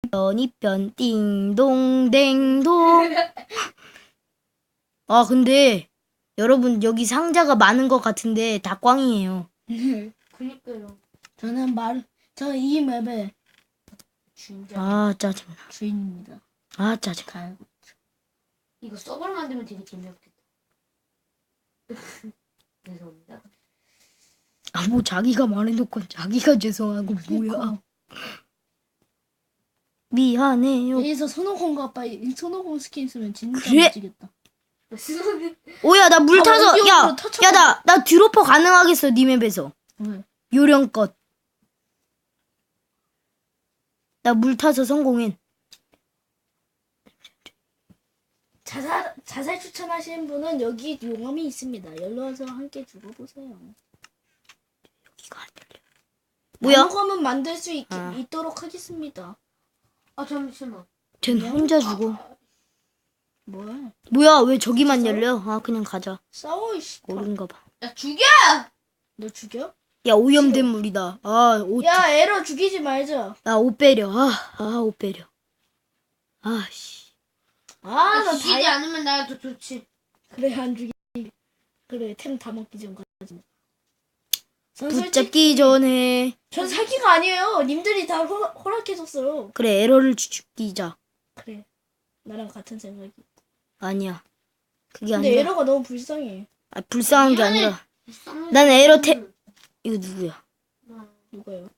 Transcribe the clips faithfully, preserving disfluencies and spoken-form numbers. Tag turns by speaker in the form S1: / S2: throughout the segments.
S1: 이편 이편 띵동댕동. 아 근데 여러분 여기 상자가 많은 것 같은데 다 꽝이에요.
S2: 그니까요.
S3: 저는 말, 저는 이 맵의
S2: 진짜.
S1: 아 짜증나.
S3: 주인입니다.
S1: 아 짜증.
S3: 가
S2: 이거 서버를 만들면 되게 재미없겠다. 죄송합니다.
S1: 아 뭐 자기가 말해놓고 자기가 죄송하고 뭐야. 미안해요.
S3: 여기서 손오공과 아빠 손오공 스킨 쓰면 진짜
S1: 그래?
S3: 멋지겠다.
S1: 오야 나 물
S3: 아,
S1: 타서
S3: 원기옥으로
S1: 야
S3: 터쳐봐.
S1: 야 나 나 드로퍼 가능하겠어 니 맵에서.
S3: 왜?
S1: 요령껏. 나 물 타서 성공해.
S3: 자살 자살 추천하시는 분은 여기 용암이 있습니다. 열로 와서 함께 죽어보세요.
S1: 여기가 안 열려. 뭐야?
S3: 나무검은 만들 수 있,
S1: 아.
S3: 있도록 하겠습니다.
S2: 아 잠시만.
S1: 쟨 혼자 죽어.
S3: 뭐야?
S1: 뭐야 왜 저기만 열려? 아 그냥 가자.
S3: 싸워 이씨.
S1: 모른가 봐.
S2: 야 죽여!
S3: 너 죽여?
S1: 야 오염된 물이다. 아옷
S3: 야 에러 죽이지 말자.
S1: 나옷 빼려. 아아옷 빼려. 아씨.
S3: 아,
S2: 아,
S3: 나
S2: 죽이지
S3: 다이...
S2: 않으면 나도 좋지.
S3: 그래 안 죽이. 그래 템 다 먹기 전까지. 전 솔직히
S1: 붙잡기 전에
S3: 전 사기가 아니에요. 님들이 다 허, 허락해줬어요.
S1: 그래 에러를 죽이자.
S3: 그래 나랑 같은 생각이.
S1: 아니야. 그게
S3: 근데
S1: 아니라.
S3: 에러가 너무 불쌍해.
S1: 아, 불쌍한 게
S2: 미안해.
S1: 아니라. 난 에러 태 이거 누구야?
S3: 누가요?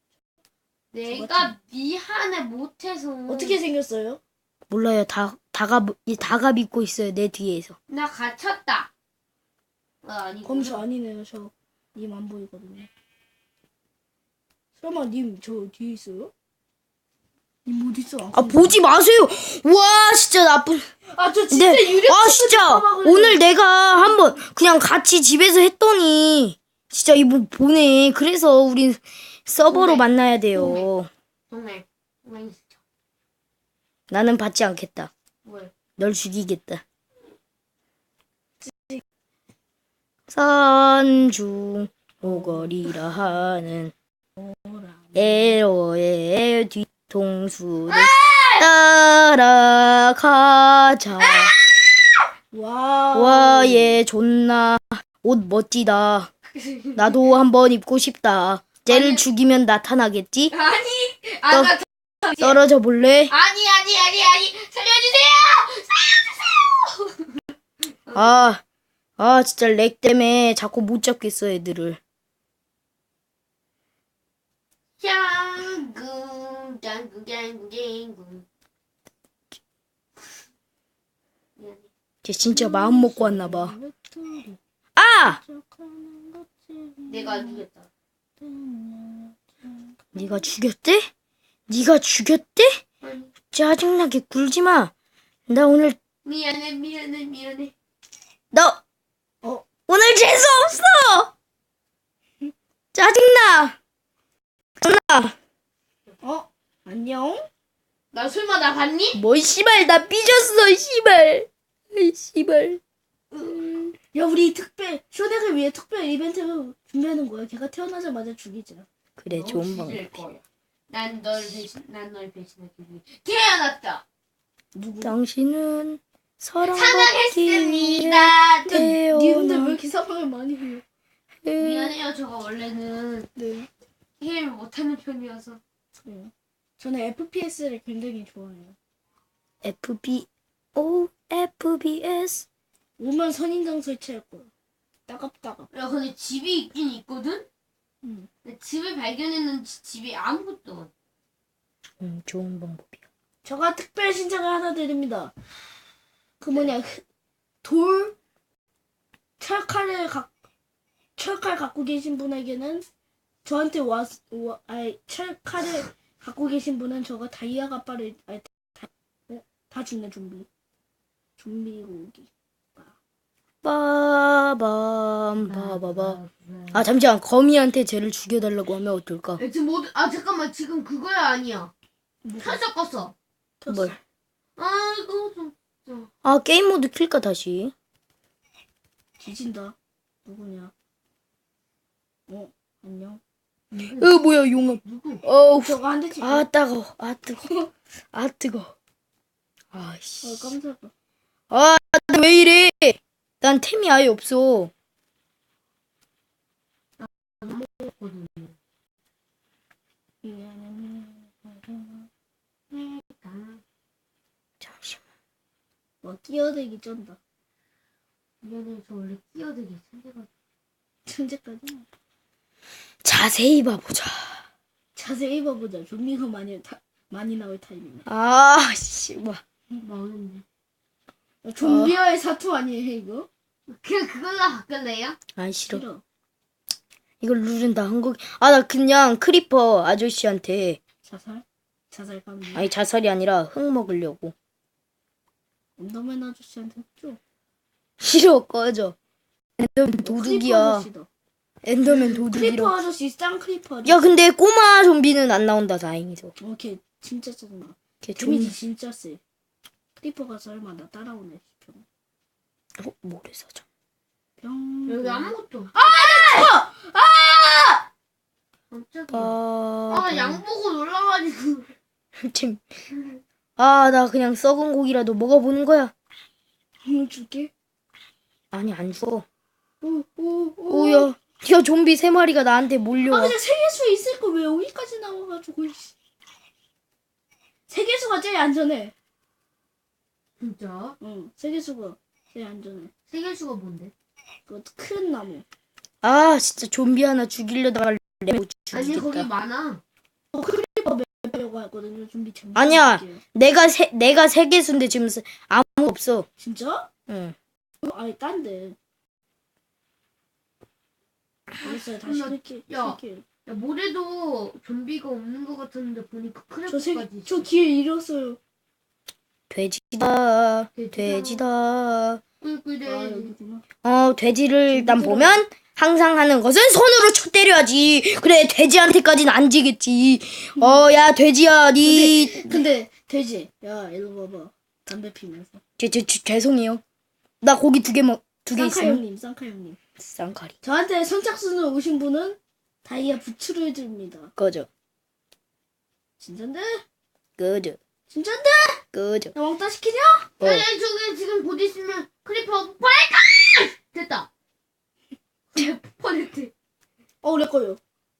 S2: 내가 미안해 못해서.
S3: 어떻게 생겼어요?
S1: 몰라요. 다 다가 이 다가 믿고 있어요. 내 뒤에서.
S2: 나 갇혔다. 아, 아니고.
S3: 검수 아니네요. 저 님 안 보이거든요. 설마 님 저 뒤에 있어요? 님 어디 있어?
S1: 아 보지 마세요. 와 진짜 나쁜.
S3: 아저 진짜
S1: 근데
S3: 유령.
S1: 아 진짜 오늘 내가 한번 그냥 같이 집에서 했더니 진짜 이거 보내. 그래서 우린 서버로
S2: 보내.
S1: 만나야 돼요.
S2: 정말. 정말 진짜.
S1: 나는 받지 않겠다.
S2: 뭘?
S1: 널 죽이겠다. 산중 오거리라 하는 에러의 뒤통수를 따라가자.
S3: 와.
S1: 와, 얘 존나 옷 멋지다. 나도 한번 입고 싶다. 쟤를
S2: 아니.
S1: 죽이면 나타나겠지?
S2: 아니. 아, 나
S1: 떨어져 볼래?
S2: 아니 아니 아니 아니 살려주세요. 살려주세요.
S1: 아, 아 진짜 렉 때문에 자꾸 못 잡겠어 애들을.
S2: 짱구 짱구 짱구 짱구. 미안해.
S1: 쟤 진짜 마음 먹고 왔나 봐. 아!
S2: 내가 안 죽였다.
S1: 네가 죽였대? 네가 죽였대?
S2: 아니.
S1: 짜증나게 굴지 마. 나 오늘
S2: 미안해 미안해 미안해.
S1: 너
S3: 어.
S1: 오늘 재수 없어. 짜증나. 짜증나.
S3: 어 안녕.
S2: 나 설마 나 봤니?
S1: 뭐 씨발 나 삐졌어 씨발. 아이 씨발.
S3: 야 우리 특별 쇼덱을 위해 특별 이벤트를 준비하는 거야. 걔가 태어나자마자 죽이자.
S1: 그래
S2: 너
S1: 좋은
S2: 죽일
S1: 방법.
S2: 거야. 난널 배신 난널 배신하기 위해 태어났다.
S3: 누구?
S1: 당신은 사랑받기
S2: 사랑했습니다.
S1: 위해
S3: 님들 왜 이렇게 사랑을 많이 해요?
S1: 태어나.
S2: 미안해요. 저가 원래는
S3: 네.
S2: 게임을 못하는 편이어서.
S3: 그래요. 저는 에프피에스를 굉장히 좋아해요.
S1: 에프비 오 에프비에스.
S3: 오면 선인장 설치할 거야. 따갑따갑.
S2: 야 근데 집이 있긴 있거든.
S3: 응.
S2: 근데 집을 발견했는데 집이 아무것도 없어.
S1: 음 좋은 방법이야.
S3: 제가 특별 신청을 하나 드립니다. 그 뭐냐 그 돌 철칼을 각 철칼 갖고 계신 분에게는 저한테 와, 와 아니 철칼을 갖고 계신 분은 저가 다이아 가빠를 아니, 다, 어? 다 죽네 좀비. 좀비 고기.
S1: 빠밤 빠바바. 아 잠시만 거미한테 쟤를 죽여달라고 하면 어떨까?
S2: 야, 지금 모두 아 잠깐만 지금 그거야 아니야. 터져 껐어.
S1: 뭘?
S2: 아 이거 좀.
S1: 아 게임 모드 킬까 다시?
S3: 뒤진다. 누구냐? 어 안녕.
S1: 어 뭐야 용암.
S2: 누구?
S1: 어우
S3: 저거 한 대씩.
S1: 아 따가워. 아 뜨거. 아 뜨거.
S3: 어
S1: 아씨.
S3: 깜짝아.
S1: 아 왜 이래? 난 템이 아예 없어.
S2: 먹었거든요.
S1: 잠시만.
S3: 뭐 끼어들기 쩐다.
S2: 미안해, 저 원래 끼어들기 천재가.
S3: 천재까지.
S1: 자세히 봐보자.
S3: 자세히 봐보자. 좀비가 많이 타, 많이 나올 타임이네.
S1: 아씨 뭐.
S2: 망했네.
S3: 좀비와의 사투 아니에요 이거?
S2: 그냥 그걸로 바꿀래요?
S1: 아 싫어.
S3: 싫어.
S1: 이걸 누른다 한 거. 아 나 그냥 크리퍼 아저씨한테
S3: 자살? 자살 감지.
S1: 아니 자살이 아니라 흙 먹으려고.
S3: 언더맨 아저씨한테 했죠.
S1: 싫어 꺼져. 엔더맨
S3: 크리퍼
S1: 도둑이야.
S3: 아저씨다.
S1: 엔더맨
S3: 크리퍼
S1: 도둑이라.
S3: 아저씨 짱 크리퍼 아저씨.
S1: 야 근데 꼬마 좀비는 안 나온다 다행이죠.
S3: 어, 걔 진짜 짜증나.
S1: 걔
S3: 데미지
S1: 좀.
S3: 진짜 세. 크리퍼가 설마 나 따라오네. 병.
S1: 어, 모래사장.
S3: 병.
S2: 여기 아무것도.
S3: 아! 아!
S2: 깜짝이야.
S1: 아.
S2: 아, 양 보고 놀라가지고.
S1: 침. 아, 나 그냥 썩은 고기라도 먹어보는 거야.
S3: 오늘 줄게.
S1: 아니, 안 줘.
S3: 오, 오, 오.
S1: 오야. 야, 좀비 세 마리가 나한테
S3: 아,
S1: 몰려와.
S3: 그냥 세계수 있을 거 왜 여기까지 나와가지고. 이씨. 세계수가 제일 안전해.
S2: 진짜?
S3: 응, 세계수가 제일 안전해.
S2: 세계수가 뭔데?
S3: 그 큰 나무.
S1: 아, 진짜 좀비 하나 죽이려다가 내못
S2: 아니, 거기
S1: 죽이겠다.
S2: 많아.
S3: 크리퍼 매려고 했거든요. 좀비 참.
S1: 아니야. 내가 세, 내가 세 개수인데 지금 세- 아무 없어.
S3: 진짜?
S1: 응.
S3: 어, 아니 딴데. 알았어요. 다시
S2: 야,
S3: 할게.
S2: 야.
S3: 할게요.
S2: 야, 모래도 좀비가 없는 것 같았는데 보니까
S3: 저 세,
S2: 크래프까지
S3: 저 기회 잃었어요.
S1: 돼지다.
S2: 돼지다.
S1: 돼지다.
S2: 꿀꿀대.
S3: 아 여기구나.
S1: 어, 돼지를 일단
S3: 돼지들은-
S1: 보면 항상 하는 것은 손으로 쳐 때려야지. 그래, 돼지한테까지는 안 지겠지. 어, 야, 돼지야, 니.
S3: 근데, 근데 돼지. 야 일로 봐봐. 담배 피면서.
S1: 제, 제, 제, 죄송해요. 나 고기 두 개 먹, 두 개
S3: 쌍카
S1: 있어요.
S3: 형님, 쌍카 형님.
S1: 쌍카리.
S3: 저한테 선착순으로 오신 분은 다이아 부츠를 줍니다.
S1: 꺼져.
S3: 진짠데?
S1: 꺼져.
S3: 진짠데?
S1: 꺼져.
S3: 나 왕따 시키냐?
S1: 어.
S2: 야, 야, 저기 지금 곧 있으면 크리퍼 폭발할까? 됐다. 폭발했대.
S3: 어, 내 거요.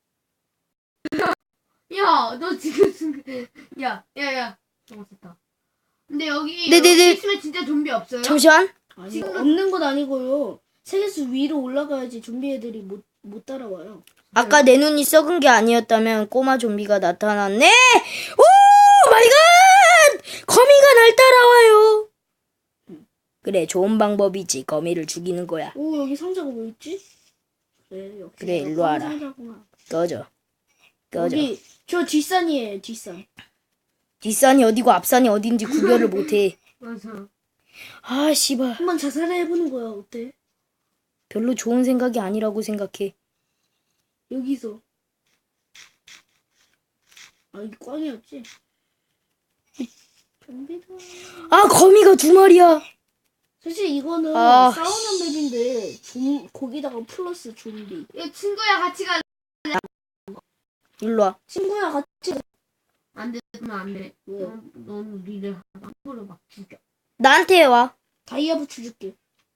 S2: 야, 너 지금 순간. 야, 야, 야. 어, 됐다. 근데 여기
S1: 네네네.
S2: 여기 있으면 진짜 좀비 없어요?
S1: 잠시만.
S3: 아니,
S2: 지금-
S3: 없는 건 아니고요. 세계수 위로 올라가야지 좀비 애들이 못, 못 따라와요.
S1: 아까 내 눈이 썩은 게 아니었다면 꼬마 좀비가 나타났네. 오 마이 갓! 거미가 날 따라와요. 그래, 좋은 방법이지. 거미를 죽이는 거야.
S3: 오, 여기 상자가 뭐 있지? 그래, 역시.
S1: 그래,
S3: 내가
S1: 일로 와라.
S3: 상자구나.
S1: 꺼져. 꺼져.
S3: 여기, 저 뒷산이에요, 뒷산.
S1: 뒷산이 어디고 앞산이 어딘지 구별을 못해.
S2: 맞아.
S1: 아, 씨발.
S3: 한번 자살해보는 거야, 어때?
S1: 별로 좋은 생각이 아니라고 생각해.
S3: 여기서. 아, 이게 꽝이었지? 좀비다.
S1: 아, 거미가 두 마리야.
S3: 사실 이거는
S1: 아,
S3: 싸우는 맵인데 좀 거기다가 플러스 좀비.
S2: 야, 친구야, 같이 가.
S1: 일로 와.
S3: 친구야 같이.
S2: 안 돼, 그러면 안 돼.
S3: 왜?
S2: 넌, 넌 우리를 함부로 막 죽여.
S1: 나한테 와.
S3: 다이아 부츠 줄게.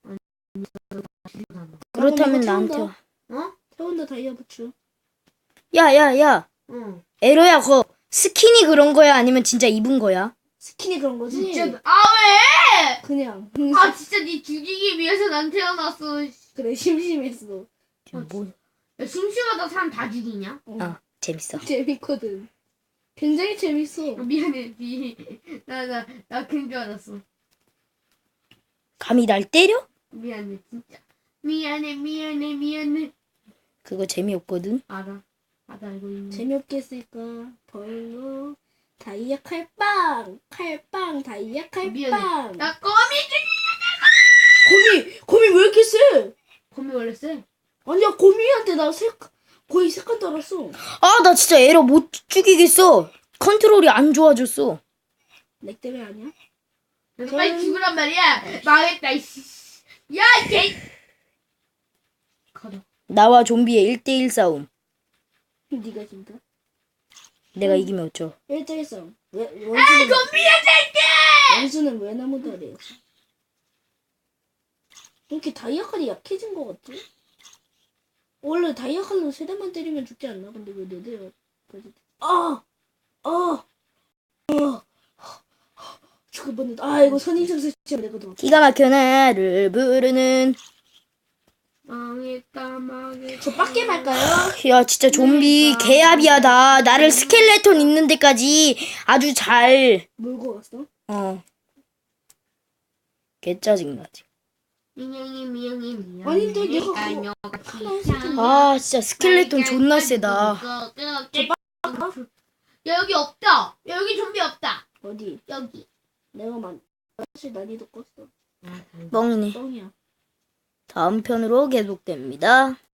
S1: 그렇다면
S3: 이거
S1: 나한테
S3: 태운다.
S1: 와.
S2: 어?
S3: 태운다 다이아 부츠.
S1: 야, 야, 야.
S2: 어.
S1: 에러야, 그거 스킨이 그런 거야? 아니면 진짜 입은 거야?
S3: 스킨이 그런 거지?
S2: 진짜. 아, 왜?
S3: 그냥.
S2: 아, 진짜 니 죽이기 위해서 난 태어났어.
S3: 그래 심심했어.
S1: 뭐?
S2: 야, 심심하다 사람 다 죽이냐?
S3: 어.
S1: 아, 재밌어.
S3: 재밌거든. 굉장히 재밌어.
S2: 어, 미안해, 미. 나, 나, 나 그런 줄 알았어.
S1: 감히 날 때려?
S2: 미안해, 진짜. 미안해, 미안해, 미안해.
S1: 그거 재미없거든.
S2: 알아. 나도 알고 있네.
S3: 재미없게 했으니까 별로. 다이아 칼빵 칼빵 다이아
S2: 미안해.
S3: 칼빵.
S2: 나 거미
S3: 거미 거미 왜 이렇게 세?
S2: 거미 원래 쎄.
S3: 아니야 거미한테 나 세, 거의 세 칸 달았어.
S1: 아, 나 진짜 에러 못 죽이겠어. 컨트롤이 안 좋아졌어.
S3: 렉 때문에 아니야?
S2: 너
S3: 저는-
S2: 빨리 죽으란 말이야. 망했다, 이씨. 야, 얘! 가자.
S1: 나와 좀비의 일 대일 싸움.
S3: 네가 진짜.
S1: 내가 이기면 어쩌?
S3: 일 대 일 싸움. 왜,
S2: 아,
S3: 원수는,
S2: 좀비야 새끼!
S3: 원수는 왜 나무도 아래였어? 이렇게 다이아칼이 약해진 것 같지? 원래 다이아칼로 세 대만 때리면 죽지 않나? 근데 왜 네 대가 까지? 아! 아! 아! 죽을 뻔했다. 아, 이거 선인장 설치하면 되거든.
S1: 기가 막혀 나를 부르는.
S2: 망했다 망했다.
S3: 저 빡게 말까요?
S1: 야 진짜 좀비 개합이야다. 나를 스켈레톤 있는 데까지 아주 잘.
S3: 물고 갔어?
S1: 어. 개 짜증나지.
S2: 민영이 민영이 민영이.
S3: 아닌데, 내가 그거
S2: 알며같이
S3: 하나 했을 텐데.
S1: 아 진짜 스켈레톤 존나 세다.
S2: 야 여기 없다. 야, 여기 좀비 없다.
S3: 어디?
S2: 여기.
S3: 내가 만 사실 난이도 껐어.
S1: 뻥이네.
S3: 뻥이야.
S1: 다음 편으로 계속됩니다.